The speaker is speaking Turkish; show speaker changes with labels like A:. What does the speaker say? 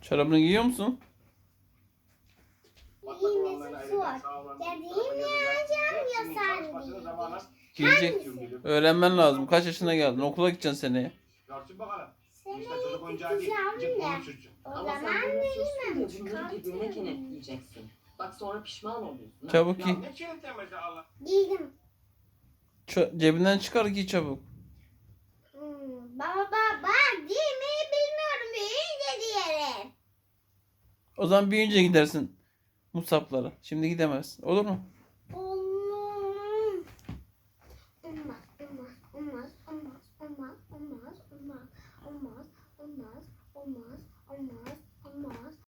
A: Çorabını giyiyor musun?
B: Giymesi zor. Dediğimi yapacağım ya sen
A: Giyecek. Öğrenmen lazım. Kaç yaşına geldin? Okula gideceksin seneye.
C: Görsün bakalım.
B: Seni
C: İşte çocuk oyuncağı değil.
B: tutacağım
C: Gidecek
B: da.
C: bunu sürsün.
B: O
D: Ama
B: zaman
D: sen bunu
B: veremem.
D: sürsün diye bunları birbirine kenetleyeceksin. Bak sonra pişman oluyorsun. ha.
A: Çabuk
C: Ya
A: giy.
C: ne çiğnetemesi Allah.
B: Giydim.
A: Cebinden çıkar giy çabuk.
B: Baba giymeyi bilmiyorum. Büyüyünce giyerim.
A: O zaman büyüyünce gidersin Musab'lara. Şimdi gidemezsin. Olur mu?
B: Olmaz. Olmaz. Olmaz. Olmaz. Olmaz. Olmaz. Olmaz. Olmaz. Olmaz. Olmaz.